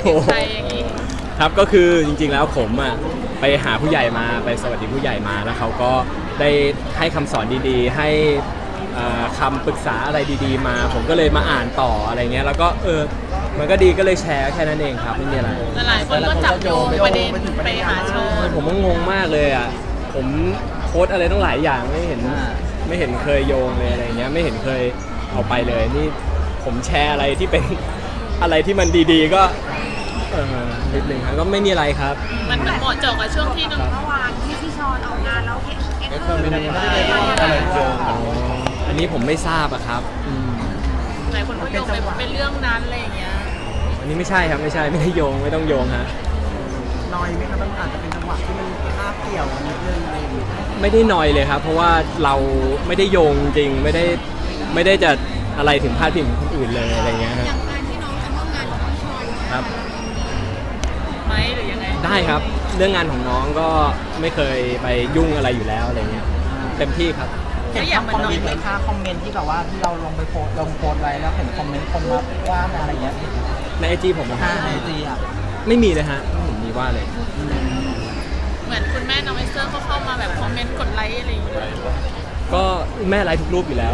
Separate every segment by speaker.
Speaker 1: ติดใจอย่างนี้
Speaker 2: ครับก็คือจริงๆแล้วผมอ่ะไปหาผู้ใหญ่มาไปสวัสดีผู้ใหญ่มาแล้วเขาก็ได้ให้คำสอนดีๆให้คำปรึกษาอะไรดีๆมาผมก็เลยมาอ่านต่ออะไรเงี้ยแล้วก็มันก็ดีก็เลยแชร์แค่นั้นเองครับไม่มีอะไร
Speaker 1: แต่หลายคนก็จับโยงประเด็นไปหาโชว์
Speaker 2: ผมก็งงมากเลยอ่ะผมโพสอะไรต้องหลายอย่างไม่เห็นเคยโยงเลยอะไรเงี้ยไม่เห็นเคยเอาไปเลยนี่ผมแชร์อะไรที่เป็นอะไรที่มันดีๆก็นิดนึงครับก็ไม่มีอะไรครับ
Speaker 1: มันเหมาะเจาะกับช่วงที่เมื่อวานที่พี่ชอนออกงานแล้วไม่ได้
Speaker 2: อะไรโยงอันนี้ผมไม่ทราบอะครับ
Speaker 1: หลายคนก็โยงไปเป็นเรื่องนั้นอะไรอย่างเงี้ย
Speaker 2: อันนี้ไม่ใช่ครับไม่ได้โยงไม่ต้องโยงฮะ
Speaker 3: น้อยไหมครับมันอาจจะเป็นจังหวะที่มันคาบเกี่ยวนิดนึงอะไรอย่างเงี้ย
Speaker 2: ไม่ได้นอยเลยครับเพราะว่าเราไม่ได้โยงจริงไม่ได้จะอะไรถึงพาดพิงคนอื่นเลยอะไรเงี้ยฮะ
Speaker 4: อย่างการที่น้องจะร่วมงานกับพี่ชอน
Speaker 2: ครับ
Speaker 1: ไหมหรือยังไง
Speaker 2: ได้ครับเรื่องงานของน้องก็ไม่เคยไปยุ่งอะไรอยู่แล้วอะไรเงี้ยเต็มที่ครับ
Speaker 3: เห็นคอมเมนต์ไหมคะคอมเมนต์ที่แบบว่าที่เราลงไปโพสไว้แล้วเห็นคอมเมนต์คนมาว่าอะไรอย่างเงี้ย
Speaker 2: ในIG ผมนะ
Speaker 3: ในIGอ่ะ
Speaker 2: ไม่มีเลยฮะผมมีว่าเลย
Speaker 1: เหมือนคุณแม่น้องเอสเตอร์ก็เข้ามาแบบคอมเมนต์กดไลค์อะไรอย่างเงี้ย
Speaker 2: ก็แม่ไลค์ทุกรูปอยู่แล้ว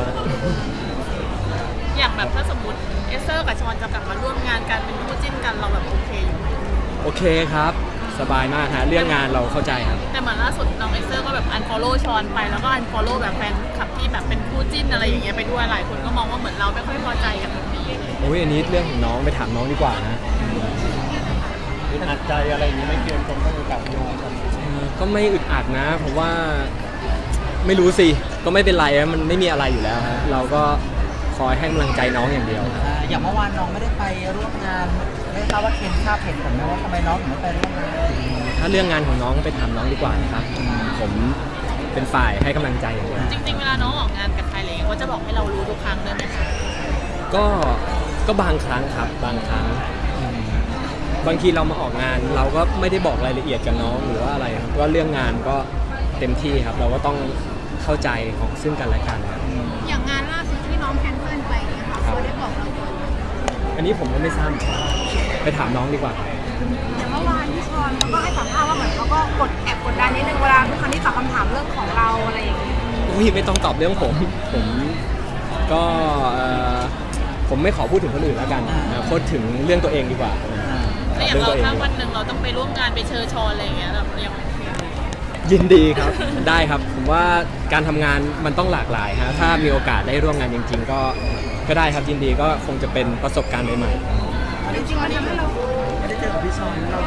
Speaker 1: อย่างแบบถ้าสมมติเอสเตอร์กับชอนจะกลับมาร่วมงานกันเป็นคู่จิ้นกันเราแบบโอเคอยู่ไหม
Speaker 2: โอเคครับสบายมากฮะเรื่องงานเราเข้าใจครับ
Speaker 1: แต่เหมือนล่าสุดน้องเอสเตอร์ก็แบบunfollowชอนไปแล้วก็unfollowแบบแฟนคลับที่แบบเป็นคู่จิ้นอะไรอย่างเงี้ยไปด้วยหลายคนก็มองว่าเหมือนเราไม่ค่อยพอใจกับแบบนี้
Speaker 2: โอ้ยอันนี้เรื่องของน้องไปถามน้องดีกว่านะ
Speaker 3: อึดอัดใจอะไรอย่างนี้ไม่เกี่ยวกับต้องกับโยง
Speaker 2: ก็ไม่อึดอัดนะผมว่าไม่รู้สิก็ไม่เป็นไรมันไม่มีอะไรอยู่แล้วฮะเราก็คอยให้กำลังใจน้องอย่างเดียว
Speaker 3: อย่างเมื่อวานน้องไม่ได้ไปร่วมงานไม่ทราบว่าเคนทราบเหตุผลไหมว่าทำไมน้องถึงไม่ไปร่วมงาน
Speaker 2: ถ้าเรื่องงานของน้องไปถามน้องดีกว่านะครับผมเป็นฝ่ายให้กำลังใจอย่างเดียว
Speaker 1: จริงๆเวลาน้องออกงานกับใครอะไรเงี้ยเขาจะบอกให้เรารู้ทุกครั้งเลยไหมคะ
Speaker 2: ก็บางครั้งครับบางครั้งบางทีเรามาออกงานเราก็ไม่ได้บอกรายละเอียดกับน้องหรือว่าอะไรครับว่าเรื่องงานก็เต็มที่ครับเราก็ต้องเข้าใจของซึ่งกันและกัน
Speaker 4: อย่างงานล่าสุดที่น้องแคนเซิลไปเนี่ยค่ะเขาได้บอกเราไหม
Speaker 2: อันนี้ผมก็ไม่ทราบไปถามน้องดีกว่า
Speaker 4: อย่างเมื่อวานพี่ชอนเขาก็ให้สัมภาษณ์ว่าเหมือนเขาก็แอบกดดันนิดนึงเวลาทุกครั้งที่ตอบคำถามเรื่องของเราอะไรอย่างเงี้ย
Speaker 2: ไม่ต้องตอบเรื่องผมก็ผมไม่ขอพูดถึงคนอื่นแล้วกันพูดถึงเรื่องตัวเองดีกว่า
Speaker 1: แล้วอย่างเราถ้าวันหนึ่งเราต้องไปร่วมงานไปเชิญชอนอะไรอย่างเงี้ยเรายัง
Speaker 2: ยินดีครับได้ครับผมว่าการทำงานมันต้องหลากหลายฮะถ้ามีโอกาสได้ร่วมงานจริงๆก็ได้ครับยินดีก็คงจะเป็นประสบการณ์ใหม่
Speaker 4: ๆจริงๆวันนี้เรา
Speaker 3: ไม่ได้เจอกับพี่ชอนเรา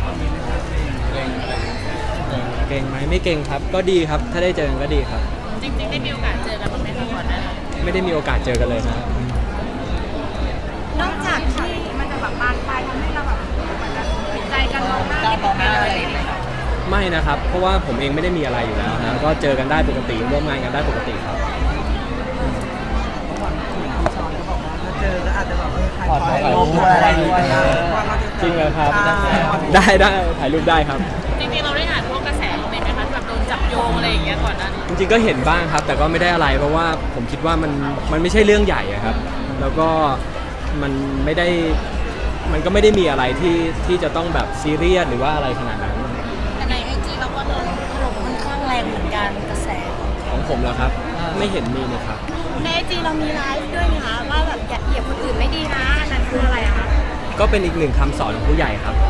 Speaker 2: เก่งไหมไม่เก่งครับก็ดีครับถ้าได้เจอกันก็ดีครับ
Speaker 1: จริงๆได้มีโอกาสเจอกันบ้างไหมคะก่อนหน้า
Speaker 2: ไม่ได้มีโอกาสเจอกันเลยนะ
Speaker 4: นอกจากที่มันจะแบบบานปลายทำให้เราแบบผิดใจกันมองหน้าไม่ติดกันอะไรอย่างเงี้ย
Speaker 2: ไม่นะครับเพราะว่าผมเองไม่ได้มีอะไรอยู่แล้วนะก็เจอกันได้ปกติร่วมงานกันได้ปกติครับ
Speaker 3: พี่ชอนก็บอกว่าถ้าเจอก็อาจจะแบบถ่ายรูปอะไรด้วย
Speaker 2: จริงเลยครับได้ถ่ายรูปได้ครับ
Speaker 1: จริงๆเราได้อ่านพวกกระแสบ้างไหมคะแบบโดนจับโยงอะไรอย่างเงี้ยก่อนหน้านี้
Speaker 2: จริงๆก็เห็นบ้างครับแต่ก็ไม่ได้อะไรเพราะว่าผมคิดว่ามันไม่ใช่เรื่องใหญ่ครับแล้วก็มันก็ไม่ได้มีอะไรที่จะต้องแบบซีเรียสหรือว่าอะไรขนาดนั้น
Speaker 4: แต่ใน IG เราก็โดนถล่มค่อนข้างแรงเหมือนกันกระแส
Speaker 2: ของผมแล้วครับไม่เห็นมีนะครับ
Speaker 4: ใน IG เรามีไลฟ์ด้วยนะคะว่าแบบอย่าเหยียบคนอื่นไม่ดีนะนั่นคืออะไรอะคะ
Speaker 2: ก็เป็นอีกหนึ่งคำสอนของผู้ใหญ่ครับ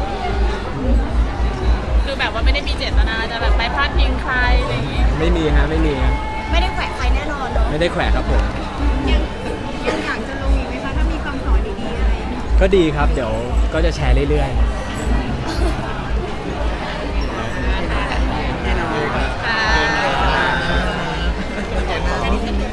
Speaker 1: คือแบบว่าไม่ได้มีเจตนาจะแบบไปพาดพิงใครอะไรอย่างงี้
Speaker 2: ไม่มีฮะไม่
Speaker 4: ได้แขวะใครแน่นอนเนาะ
Speaker 2: ไม่ได้แขวะครับผม
Speaker 4: ยังอยากจะลงอีกไหมคะถ้ามีคำสอนดีๆอะไร
Speaker 2: ก็ดีครับเดี๋ยวก็จะแชร์เรื่อยๆ